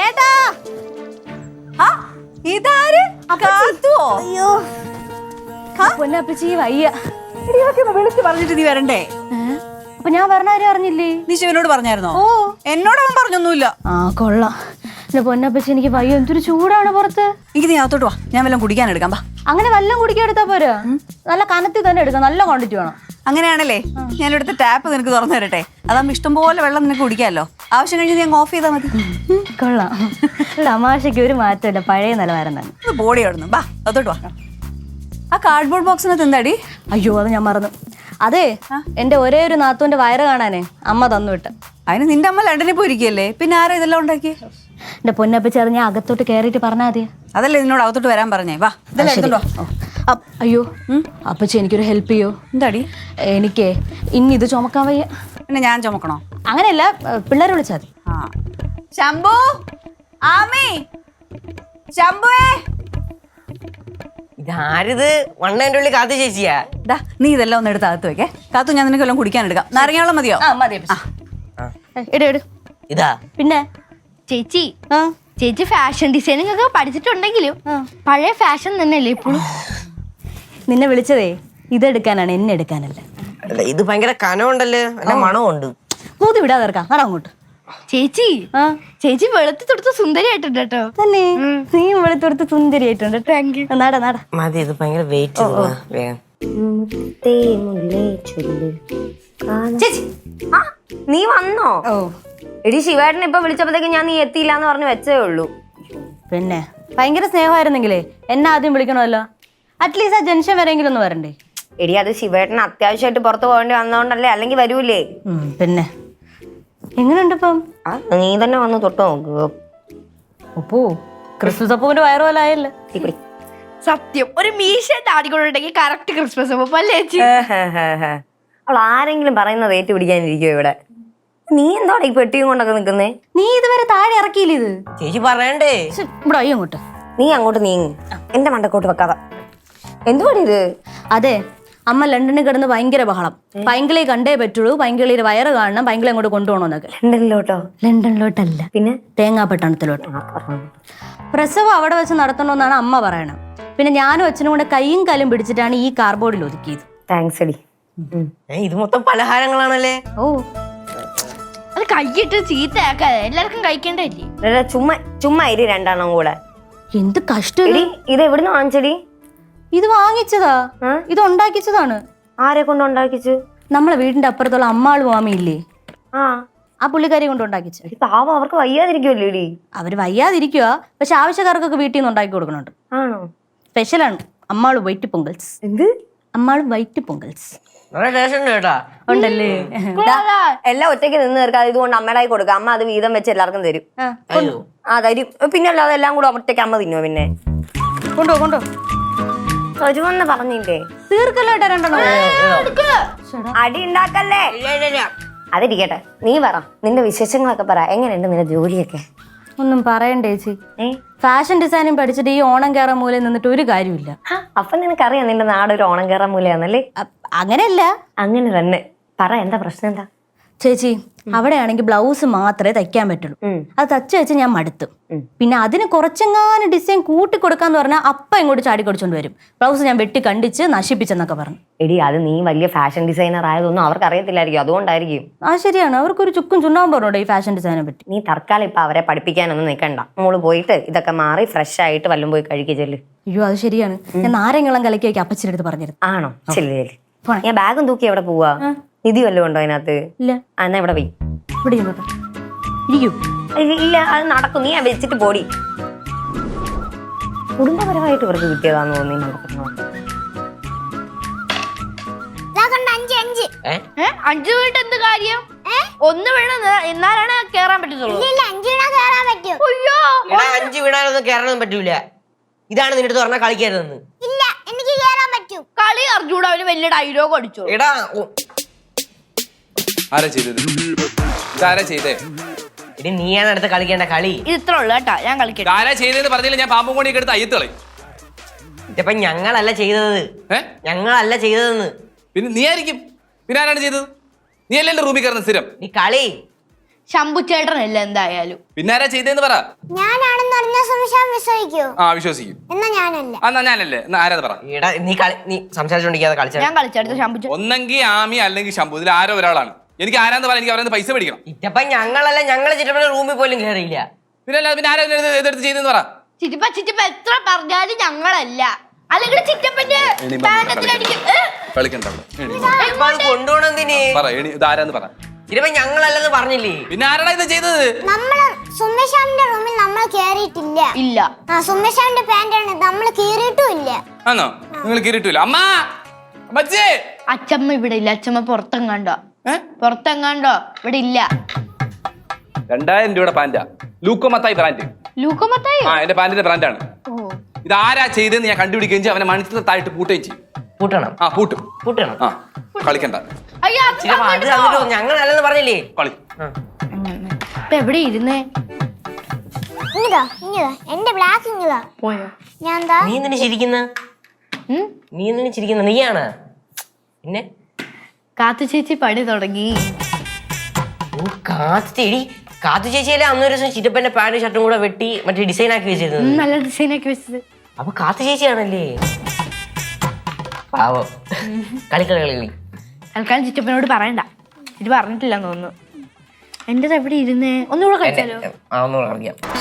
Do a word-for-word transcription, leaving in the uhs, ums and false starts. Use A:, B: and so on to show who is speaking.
A: ചേട്ടാ ഇതാര്? അയ്യോ പൊന്നപ്പച്ചി വയ്യ.
B: വിളിച്ച് പറഞ്ഞിട്ട് നീ വരണ്ടേ?
A: അപ്പൊ ഞാൻ പറഞ്ഞ ആരും അറിഞ്ഞില്ലേ?
B: നീ ശിവനോട് പറഞ്ഞായിരുന്നോ?
A: ഓ
B: എന്നോട് അവൻ പറഞ്ഞൊന്നുമില്ല.
A: ആ കൊള്ളാം. എന്റെ പൊന്നപ്പച്ചി എനിക്ക് വയ്യ, എന്തൊരു ചൂടാണ് പുറത്ത്.
B: എനിക്ക് നീ അകത്തോട്ട് വാ, ഞാൻ വല്ലതും കുടിക്കാൻ എടുക്കാം. വാ.
A: അങ്ങനെ വല്ലതും കുടിക്കാൻ എടുത്താ പോരാ, നല്ല കനത്തിൽ തന്നെ എടുക്കാം, നല്ല ക്വാണ്ടിറ്റി വേണം.
B: അങ്ങനെയാണല്ലേ ഞാൻ ഇവിടുത്തെ ടാപ്പ് നിനക്ക് തുറന്നു തരട്ടെ. അതാകുമ്പോ ഇഷ്ടംപോലെ വെള്ളം നിനക്ക് കുടിക്കാമല്ലോ. ആവശ്യം കഴിഞ്ഞ് ഞാൻ ഓഫ് ചെയ്താൽ മതി.
A: കൊള്ളാം. തമാശയ്ക്ക് ഒരു മാറ്റമില്ല, പഴയ നിലവാരം തന്നെ.
B: ബോഡി ആടുന്നു. വാ അകത്തോട്ട് വാ. ആ കാർഡ്ബോർഡ് ബോക്സിനകത്ത് എന്താടി?
A: അയ്യോ അത് ഞാൻ മറന്നു. അതെ, എന്റെ ഒരേ ഒരു നാത്തൂന്റെ വയറ് കാണാനേ അമ്മ തന്നു വിട്ട.
B: അതിന് നിന്റെ അമ്മ ലണ്ടനിൽ പോയിരിക്കല്ലേ, പിന്നെ ആരാ ഇതെല്ലാം ഉണ്ടാക്കി?
A: എന്റെ പൊന്നപ്പച്ചി അത് ഞാൻ അകത്തോട്ട് കയറിയിട്ട് പറഞ്ഞാൽ മതി.
B: അതല്ലേ നിന്നോട് അകത്തോട്ട് വരാൻ പറഞ്ഞേ. വാ ഇതെല്ലാം എടുത്തോണ്ടോ.
A: അയ്യോ അപ്പച്ചി എനിക്കൊരു ഹെൽപ്പ് ചെയ്യോ?
B: എന്താടി?
A: എനിക്ക് ഇനി ഇത് ചുമക്കാൻ വയ്യ.
B: പിന്നെ ഞാൻ ചുമക്കണോ?
A: അങ്ങനെയല്ല, പിള്ളേരെ വിളിച്ചാൽ മതി.
B: ആ ശംഭു, ആമി, ശംഭുവേ.
C: ഇതാരിത്? വണ്ണേന്റെ ഉള്ളിൽ കാത്തു ചേച്ചിയാ?
B: ദാ നീ ഇതെല്ലാം ഒന്ന് എടുത്ത് അകത്ത് വെക്കേ. കാത്തു ഞാൻ നിനക്ക് എല്ലാം കുടിക്കാൻ എടുക്കാം. നാരങ്ങാവെള്ളം മതിയോ?
A: എട്
C: ഇതാ
A: പിന്നെ
D: ചേച്ചി ചേച്ചി ഫാഷൻ ഡിസൈനിങ് ഒക്കെ പഠിച്ചിട്ടുണ്ടെങ്കിലും പഴയ ഫാഷൻ തന്നെയല്ലേ ഇപ്പോഴും?
A: നിന്നെ വിളിച്ചതേ ഇതെടുക്കാനാണ്, എന്നെ എടുക്കാനല്ല.
C: ഇത് ഭയങ്കര കനമുണ്ടല്ലോ, നല്ല മണമുണ്ട്.
A: കൂതി വിടാതെ ഇറക്കാം. നട അങ്ങോട്ട്.
D: ചേച്ചി ചേച്ചി വെളുത്തി തൊടുത്ത് സുന്ദരിയായിട്ടുണ്ട് കേട്ടോ.
A: തന്നെ നീ വെളുത്തൊടുത്ത് സുന്ദരിയായിട്ടുണ്ട്. നട നട
C: മതി, ഇത് ഭയങ്കര വെയിറ്റ്.
E: ചേച്ചി നീ വന്നോ?
A: ഓ
E: എടി ശിവേട്ടൻ ഇപ്പൊ വിളിച്ചപ്പോഴത്തേക്ക് ഞാൻ നീ എത്തിയില്ല എന്ന് പറഞ്ഞ് വെച്ചേ ഉള്ളൂ.
A: പിന്നെ ഭയങ്കര സ്നേഹമായിരുന്നെങ്കിലേ എന്നെ ആദ്യം വിളിക്കണമല്ലോ. അറ്റ്ലീസ്റ്റ് ആ ജംഗ്ഷൻ വരെയെങ്കിലും ഒന്ന് വരണ്ടേ?
E: എടി അത് ശിവേട്ടൻ അത്യാവശ്യമായിട്ട് പുറത്ത് പോകേണ്ടി വന്നോണ്ടല്ലേ, അല്ലെങ്കിൽ വരൂലേ?
A: പിന്നെ എങ്ങനെയുണ്ട് ഇപ്പം?
E: നീ തന്നെ വന്ന് തൊട്ട് നോക്കുക.
A: അപ്പോ ക്രിസ്മസ് അപ്പൂന്റെ വയറ് പോലെ ആയല്ലേ?
D: സത്യം, ഒരു മീശ താടിക്കൊണ്ടുണ്ടെങ്കിൽ കറക്റ്റ് ക്രിസ്മസ് അപ്പൊ അല്ലേ ചേച്ചി?
E: അവൾ ആരെങ്കിലും പറയുന്നത് ഏറ്റുപിടിക്കാനിരിക്കോ ഇവിടെ? നീ എന്താണ് ഈ പെട്ടിയും കൊണ്ടൊക്കെ നിക്കുന്നേ?
A: നീ ഇതുവരെ താഴെ ഇറക്കിയില്ല ഇത്?
C: ചേച്ചി പറയണ്ടേ?
A: ഇവിടെ അയ്യോ അങ്ങോട്ട്.
E: നീ അങ്ങോട്ട് നീങ്ങ്, എന്റെ മണ്ടക്കോട്ട് വെക്കാതെ. എന്തുവാടി ഇത്?
A: അതെ, അമ്മ ലണ്ടനിൽ കിടന്ന് ഭയങ്കര ബഹളം. പൈങ്കിളി കണ്ടേ പറ്റുള്ളൂ, പൈങ്കിളിയുടെ വയറ് കാണണം, പൈങ്കിളി അങ്ങോട്ട് കൊണ്ടുപോകണമെന്നൊക്കെ.
E: ലണ്ടനിലോട്ടോ?
A: ലണ്ടനിലോട്ടല്ല,
E: പിന്നെ
A: തേങ്ങാപ്പട്ടണത്തിലോട്ട്. പ്രസവം അവിടെ വെച്ച് നടത്തണമെന്നാണ് അമ്മ പറയണം. പിന്നെ ഞാനും അച്ഛനും കൂടെ കൈയും കാലും പിടിച്ചിട്ടാണ് ഈ കാർബോർഡിൽ ഒതുക്കിയത്.
E: താങ്ക്സ് എടി.
C: ഇത് മൊത്തം പലഹാരങ്ങളാണല്ലേ?
A: ഓ
D: അത് കൈയിട്ട് ചീത്തയാക്കാതെ എല്ലാവർക്കും കഴിക്കേണ്ടല്ലേ?
E: ചുമ്മാ ചുമ്മാ ഇരി രണ്ടെണ്ണം കൂടെ.
A: എന്ത് കഷ്ടം.
E: ഇത് എവിടുന്ന് വാങ്ങിച്ചടി?
A: ഇത് വാങ്ങിച്ചതാ, ഇത് ഉണ്ടാക്കിച്ചതാണ്.
E: ആരെ കൊണ്ട് ഉണ്ടാക്കിച്ചു?
A: നമ്മളെ വീടിന്റെ അപ്പുറത്തുള്ള അമ്മാള് മാമിയില്ലേ,
E: ആ
A: ആ പുള്ളിക്കാരി കൊണ്ട് ഉണ്ടാക്കിച്ചു.
E: പാവം, അവർക്ക് വയ്യാതിരിക്കുമല്ലോ ഇടി.
A: അവര് വയ്യാതിരിക്കുക, പക്ഷെ ആവശ്യക്കാർക്കൊക്കെ വീട്ടിൽ നിന്ന് ഉണ്ടാക്കി കൊടുക്കുന്നുണ്ട്.
E: ആണോ?
A: സ്പെഷ്യലാണ് അമ്മാള് വൈറ്റ് പൊങ്കൽസ്.
E: എന്ത്?
A: അമ്മാള് വൈറ്റ് പൊങ്കൽസ്
C: നല്ല ടേസ്റ്റ് ഉണ്ട് കേട്ടാ.
A: ഉണ്ടല്ലേ?
E: എല്ലാം ഒറ്റയ്ക്ക് നിന്ന് തീർക്കാതെ ഇതുകൊണ്ട് അമ്മയുടെ കൈ കൊടുക്കുക. അമ്മ അത് വീതം വെച്ച് എല്ലാവർക്കും തരും. ആ തരും. പിന്നെ അല്ലാതെ എല്ലാം കൂടെ ഒറ്റയ്ക്ക് അമ്മ തിന്നോ? പിന്നെ
A: കൊണ്ടോ കൊണ്ടോ
E: തരുമെന്ന് പറഞ്ഞില്ലേ?
A: തീർക്കല്ലോ രണ്ടെണ്ണം.
E: അടി ഉണ്ടാക്കല്ലേ. അതിരിക്കട്ടെ, നീ പറ, നിന്റെ വിശേഷങ്ങളൊക്കെ പറ. എങ്ങനെയുണ്ട് നിന്റെ ജോലിയൊക്കെ?
A: ഒന്നും പറയണ്ടേ ചേച്ചി, ഫാഷൻ ഡിസൈനിങ് പഠിച്ചിട്ട് ഈ ഓണം കയറാൻ മൂലം നിന്നിട്ട് ഒരു കാര്യമില്ല.
E: അപ്പൊ നിനക്കറിയാം നിന്റെ നാട് ഒരു ഓണം കയറാൻ മൂലയാന്നല്ലേ?
A: അങ്ങനെയല്ല,
E: അങ്ങനെ തന്നെ പറ. എന്താ പ്രശ്നം? എന്താ
A: ചേച്ചി? അവിടെയാണെങ്കിൽ ബ്ലൗസ് മാത്രമേ തയ്ക്കാൻ പറ്റുള്ളൂ. അത് തച്ച് വെച്ച് ഞാൻ മടുത്തു. പിന്നെ അതിന് കുറച്ചെങ്ങാനും ഡിസൈൻ കൂട്ടി കൊടുക്കാന്ന് പറഞ്ഞാൽ അപ്പ ഇങ്ങോട്ട് ചാടി കൊടുച്ചോണ്ട് വരും. ബ്ലൗസ് ഞാൻ വെട്ടി കണ്ടിച്ച് നശിപ്പിച്ചെന്നൊക്കെ പറഞ്ഞു.
E: എടി അത് നീ വലിയ ഫാഷൻ ഡിസൈനർ ആയതൊന്നും അവർക്ക് അറിയത്തില്ലായിരിക്കും, അതുകൊണ്ടായിരിക്കും.
A: ആ ശരിയാണ്, അവർക്കൊരു ചുക്കും ചുണ്ടാവും പറഞ്ഞോട്ടെ ഈ ഫാഷൻ ഡിസൈനെ പറ്റി.
E: നീ തൽക്കാലം ഇപ്പൊ അവരെ പഠിപ്പിക്കാനൊന്നും നിൽക്കണ്ട. മോള് പോയിട്ട് ഇതൊക്കെ മാറി ഫ്രഷ് ആയിട്ട് വല്ലതും പോയി കഴിക്കുക ചെല്ല്.
A: അയ്യോ അത് ശരിയാണ്, ഞാൻ നാരങ്ങളും കലക്കി വയ്ക്കും അപ്പച്ചിന്റെ അടുത്ത് പറഞ്ഞിരുന്നു.
E: ആണോ? ചെല്ല് ചെല്ല്. ഞാൻ ബാഗും തൂക്കി എവിടെ പോവാ? നിധി വല്ലതും ഉണ്ടോ അതിനകത്ത്?
A: ഇല്ല.
E: എന്നാ ഇവിടെ പോയി
A: ഇവിടെ ഇരിക്കൂ.
E: ഇല്ല, അത് നടക്കും. നീ വെച്ചിട്ട് പോടി. കുടുംബപരമായിട്ട് ഇവർക്ക് കിട്ടിയതാന്ന് തോന്നി.
D: അഞ്ചു വീട്ട് എന്ത് കാര്യം? ഒന്ന് വീണ് എന്നാലാണ് കേറാൻ പറ്റത്തുള്ളൂ.
C: അയ്യോ, അഞ്ച് വീണാലൊന്നും കേറാനൊന്നും പറ്റൂല. ഇതാണ് നിന്റെ അടുത്ത് പറഞ്ഞാൽ കളിക്കരുതെന്ന്.
D: കളി അറിഞ്ഞൂടെ? അവന് വലിയ ഡയലോഗ് അടിച്ചു.
C: എടാ
F: ആരാ ചെയ്തത്? ഇതാരാ ചെയ്തേ?
C: ഇനി നീയാണ് അടുത്ത് കളിക്കേണ്ട കളി.
D: ഇത് ഇത്ര ഉള്ളു കേട്ടാ, ഞാൻ കളിക്കട്ടെ.
F: ആരാ ചെയ്തതെന്ന് പറഞ്ഞില്ല, ഞാൻ പാമ്പും കൊണ്ടിയൊക്കെ എടുത്ത് അയ്യത്തളി.
C: ഇതിപ്പോ ഞങ്ങളല്ല ചെയ്തത്. ഞങ്ങളല്ല ചെയ്തതെന്ന്.
F: പിന്നെ നീ ആയിരിക്കും. പിന്നെ ആരാണ് ചെയ്തത്? നീ അല്ലേ എന്റെ റൂമിൽ കയറുന്ന സ്ഥിരം?
C: നീ കളി
D: ശംഭു ചേട്ടനല്ല എന്തായാലും.
F: പിന്നെ ആരാ ചെയ്തേന്ന് പറ.
G: ഞാനാണെന്ന് അറിഞ്ഞ സംശയം വിശ്വസിക്കൂ?
F: ആ വിശ്വസിക്കും.
G: എന്നാ ഞാനല്ല.
F: എന്നാ ഞാനല്ലേ? എന്നാ ആരാ പറ.
C: എടാ നീ കളി നീ സംസാരിച്ചോണ്ടിരിക്കാതെ കളിച്ച
D: ഞാൻ കളിച്ചെടുത്ത ശംഭു ചേട്ടൻ.
F: ഒന്നെങ്കിൽ ആമി അല്ലെങ്കിൽ ശംഭു, ഇതിൽ ആരോ ഒരാളാണ്. എനിക്ക് ആരാന്ന് പറയാൻ എനിക്ക് അവരെ പൈസ മേടിക്കണം.
C: ഇറ്റപ്പ ഞങ്ങളല്ല, ഞങ്ങള് ചിറ്റപ്പന്റെ റൂമിൽ പോലും കയറിയില്ല.
F: പിന്നെ അല്ല പിന്നെ ആരാ ഇതിനെ എതിർത്ത് ചെയ്തെന്ന് പറ.
D: ചിറ്റപ്പ ചിറ്റപ്പ എത്ര പറഞ്ഞാലും ഞങ്ങളല്ല. അല്ലെങ്കിൽ ചിറ്റപ്പന്റെ പാനത്തിലടിക്കും. ഏ?
F: കളിക്കണ്ട അവിടെ. എണി.
C: ഇപ്പൊ അത് കൊണ്ടുപോണെന്തിന്?
F: പറ എണി, ഇത് ആരാന്ന് പറ.
C: ചിറ്റപ്പ ഞങ്ങളല്ലെന്ന് പറഞ്ഞില്ലേ?
F: പിന്നെ ആരാടാ ഇത് ചെയ്തത്?
G: നമ്മള് സുമേഷാമിന്റെ റൂമിൽ നമ്മൾ കേറിയിട്ടില്ല.
D: ഇല്ല.
G: ആ സുമേഷാമിന്റെ പാന്റാണ് നമ്മൾ കീറിയിട്ടും ഇല്ല.
F: ആണോ? നിങ്ങൾ കീറിയിട്ടില്ല. അമ്മ അമ്മച്ചി.
D: അച്ചമ്മ ഇവിടെ ഇല്ല. അച്ചമ്മ പുറത്തെങ്ങാണ്ടോ പുറത്തെങ്ങാണ്ടോ ഇവിടെ ഇല്ല.
F: രണ്ടായിരം രൂപയുടെ പാന്റാ, ലൂക്കോ മത്തായി ബ്രാൻഡ്.
D: ലൂക്കോ മത്തായി?
F: ആ എന്റെ പാന്റിന്റെ ബ്രാൻഡാണ്.
D: ഓ,
F: ഇത് ആരാ ചെയ്തെന്ന് ഞാൻ കണ്ടുപിടിക്കുകയും ചെയ്യും. അവനെ മണിച്ചിട്ടായിട്ട് പൂട്ടുകയും ചെയ്യും.
C: പൂട്ടണം
F: ആ പൂട്ടും.
C: പൂട്ടണം.
F: ആ കളിക്കണ്ട.
D: അയ്യോ, അത്
C: ചിറ്റപ്പ അത് തന്നിട്ടോ ഞങ്ങളല്ലെന്ന് പറഞ്ഞില്ലേ?
F: കളി.
D: ഇപ്പൊ എവിടെ ഇരുന്നേ?
G: ഇങ്ങതാ ഇങ്ങതാ എന്റെ ബ്ലാക്ക് ഇങ്ങതാ.
D: പോയോ?
G: ഞാൻ എന്താ
C: നീ എന്തിനു ചിരിക്കുന്ന?
D: ഉം?
C: നീ എന്തിനു ചിരിക്കുന്ന? നീയാണ് പിന്നെ.
D: കാത്തു ചേച്ചി പണി തുടങ്ങി.
C: ഓ കാത്തു ചേടി, കാത്തു ചേച്ചിയല്ലേ അന്നൊരു ദിവസം ചിറ്റപ്പന്റെ പാന്റ് ഷർട്ടും കൂടെ വെട്ടി മറ്റേ ഡിസൈൻ ആക്കി വെച്ചിരുന്നത്.
D: ഉം, നല്ല ഡിസൈൻ ആക്കി വെച്ചത്.
C: അപ്പൊ കാത്തു ചേച്ചിയാണല്ലേ? പാവോ. കളിക്കളി കളി കളി.
D: തൽക്കാലം ചിറ്റപ്പനോട് പറയണ്ട. ഇത് പറഞ്ഞിട്ടില്ലെന്ന് തോന്നുന്നു. എന്റേത് എവിടെ ഇരുന്നേ? ഒന്നുകൂടെ കളിച്ചാലോ?
C: ആ ഒന്നുകൂടെ കളിക്കാം.